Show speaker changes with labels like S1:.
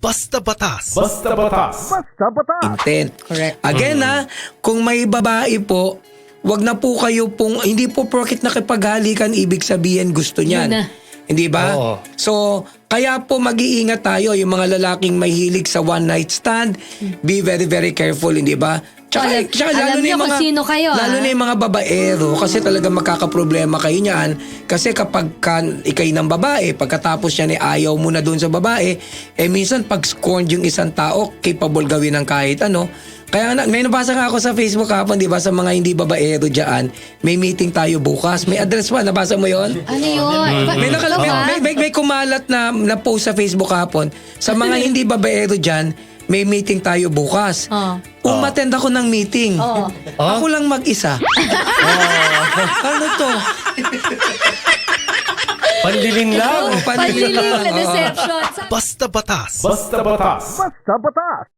S1: Basta batas.
S2: Basta batas.
S3: Intent.
S4: Correct.
S3: Again kung may babae po, wag na po kayo pong, hindi po porket nakipaghalikan, ibig sabihin gusto niyan.
S4: Yun na.
S3: Hindi ba?
S2: Oo.
S3: So, kaya po mag-iingat tayo, yung mga lalaking mahilig sa one night stand, be very, very careful, hindi ba?
S4: Alam niyo kung sino kayo,
S3: lalo na yung mga babaero, kasi talaga magkakaproblema kayo niyan. Kasi kapag ikay ng babae, pagkatapos niyan ayaw mo na doon sa babae, minsan pag scorned yung isang tao, capable gawin ng kahit ano. Kaya may nabasa nga ako sa Facebook hapon, di ba, sa mga hindi babaero dyan, may meeting tayo bukas. May address pa, nabasa mo yon?
S4: Ano yun?
S3: May kumalat na post sa Facebook hapon, sa mga hindi babaero dyan, may meeting tayo bukas. Umattend ako ng meeting. Ako lang mag-isa. Ano to?
S2: Pandiling lang.
S4: Panliling na deception.
S1: Basta batas.
S2: Basta batas.